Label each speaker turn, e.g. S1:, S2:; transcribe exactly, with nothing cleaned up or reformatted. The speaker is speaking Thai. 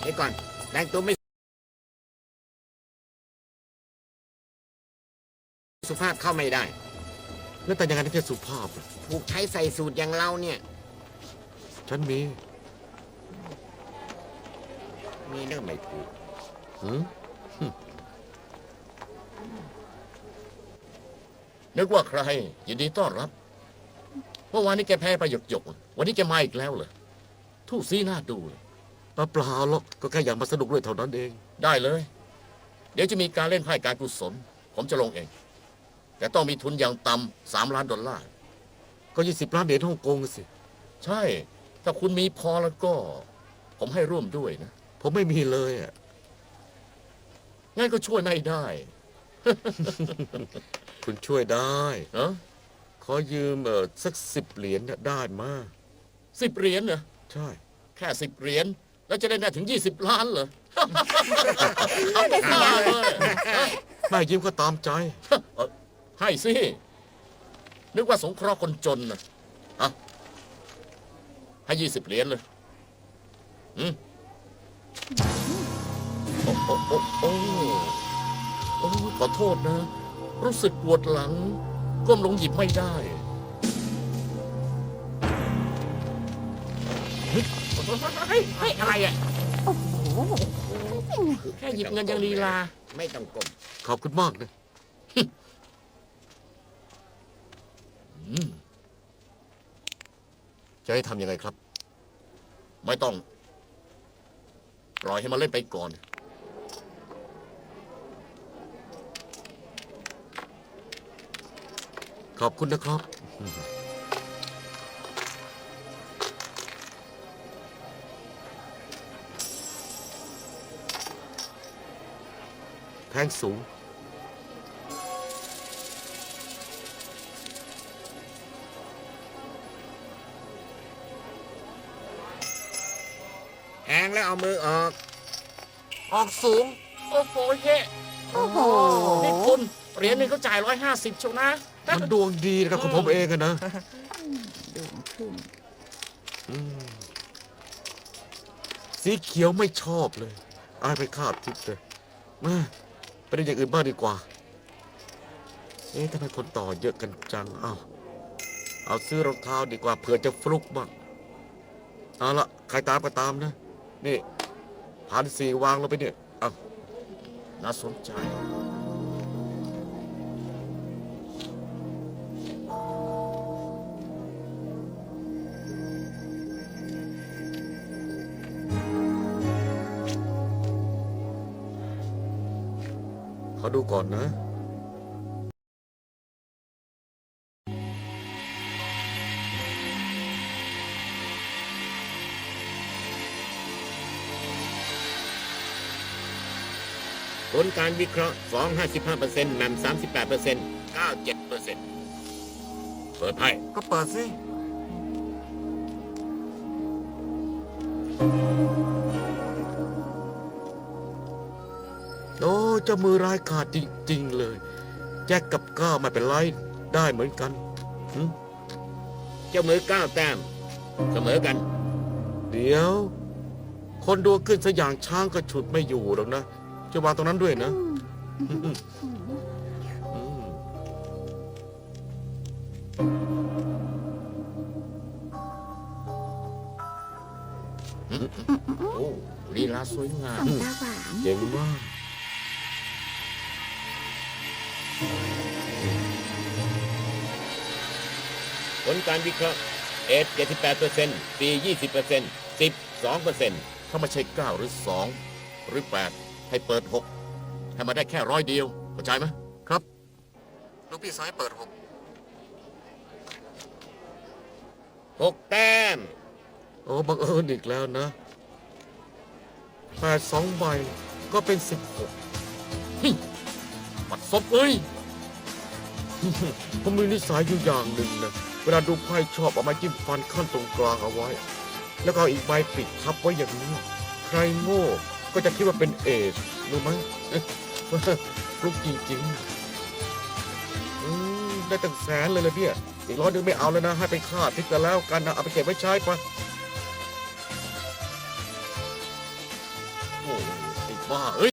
S1: เดี๋ยวก่อนแต่งตัวไม่สุภาพเข้าไม่ได้
S2: แล้วแต่ยังไงถึงจะสุภาพล่ะ
S1: ถูกใช้ใส่สูตรอย่างเราเนี่ย
S2: ฉันมี
S1: มีเรื่องไม่ถูก
S2: หืม
S3: นึกว่าใครยินดีต้อนรับเมื่อวานนี้แกแพ้ไปหยกหยกๆวันนี้แกมาอีกแล้วเหรอทู่ซีหน้าดูเลย
S2: เปล่าหรอกก็แค่อยากมาสนุกด้วยเท่านั้นเอง
S3: ได้เลย เดี๋ยวจะมีการเล่นไพ่การกุศลผมจะลงเอง แต่ต้องมีทุนอย่างต่ำสามล้านดอลลาร์
S2: ก็ยี่สิบล้านเหรียญฮ่องกงสิ
S3: ใช่ ถ้าคุณมีพอแล้วก็ ผมให้ร่วมด้วยนะ
S2: ผมไม่มีเลยอ่ะ
S3: งั้นก็ช่วยไม่ได้
S2: คุณช่วยได้
S3: เออ
S2: ขอยืมเออสักสิบเหรียญน่ะได้มา
S3: สิบเหรียญเหรอ
S2: ใช่
S3: แค่สิบเหรียญแล้วจะได้ได้ถึงยี่สิบล้านเหรอ เอาไปขายเลย
S2: ไม่ยืมก็ตามใจ
S3: เอ่อให้สิ นึกว่าสงเคราะห์คนจนนะอ่ะให้ยี่สิบเหรียญเลยอืมโอ้โอ้โอ้โอ้โอ้ขอโทษนะ รู้สึกปวดหลัง ก้มลงหยิบไม่ได้เฮ้ยเฮ้ยเฮ้ยอะไรอ่ะ
S4: โอ้โห
S3: แค่หยิบเงินยังลีลา
S1: ไม่ต้องกลม
S2: ขอบคุณมากนะ
S3: อืม
S2: จะให้ทำยังไงครับ
S3: ไม่ต้อง ปล่อยให้มันเล่นไปก่อน
S2: ขอบคุณนะครับ แพงสูง
S1: แทงแล้วเอามือออก
S3: ออกสูง โอ้โหเฮ้
S4: โอ้โห
S3: นี่คุณเหรียญหนึงเขาจ่ายร้อยห้าสิบชวนะ
S2: มันดวงดีนะครับของผมเองอะนะ
S4: ดวงขึ้น
S2: อืมสีเขียวไม่ชอบเลยอายไปคาดทิพย์เลยมาไปเล่นอย่างอื่นบ้างดีกว่า เอ๊ะทำไมคนต่อเยอะกันจัง เอาเอาซื้อรองเท้าดีกว่าเผื่อจะฟลุกบ้าง เอาละใครตามก็ตามนะ นี่พันสี่วางลงไปเนี่ย เอา
S3: น่าสนใจ
S2: ขอดูก่อนนะ
S1: ผลการวิเคราะห์ฟอง ห้าสิบห้าเปอร์เซ็นต์แหม่ม สามสิบแปดเปอร์เซ็นต์ เก้า เจ็ดเปอร์เซ็นต์ เปิดไพ่
S2: ก็เปิดสิ โอ้เจ้ามือร้ายกาจจริง ๆ เลย แจ็คกับก้าวไม่เป็นไรได้เหมือนกันหึ
S1: เจ้ามือเก้าแต้ม เสมอกัน
S2: เดี๋ยว คนดวงขึ้นสกอย่างช้างก็ฉุดไม่อยู่หรอกนะ จะวางตรงนั้นด้วยนะอืม
S3: โอ้ลีลาสวยงาม
S4: ของตาหวาน
S2: เจ๋งมาก
S1: ผลการวิเคราะห์เอสเจ็ดสิบแปดเปอร์เซ็นต์ซียี่สิบเปอร์เซ็นต์สิบสองเปอร์เซ็นต์
S3: ถ้าไม่ใช่เก้าหรือสองหรือแปดให้เปิดหกให้มาได้แค่ร้อยเดียวเข้าใจไหม
S2: ครับลูกพี่สายเปิดหก
S1: หกแต้ม
S2: โอ้บังเอิญอีกแล้วนะแปดสองใบก็เป็นสิบหก
S3: ปัดซบเอ้ย
S2: ผมมีนิสัยอยู่อย่างหนึ่งนะ เวลาดูไพ่ชอบเอาไม้จิ้มฟันขั้นตรงกลางเอาไว้ แล้วก็เอาอีกใบปิดทับไว้อย่างนี้ ใครโง่ก็จะคิดว่าเป็นเอชรู้ไหมเอ๊ะฟลุกจริงๆอืมได้ตั้งแสนเลยเลยเนี่ยอีกร้อยหนึงไม่เอาแล้วนะ ให้ไปฆ่าทิพย์กันแล้วกันนะ เอาไปเก็บไว้ใช้ปะ
S3: โอ้ไอ้บ้าเอ้ย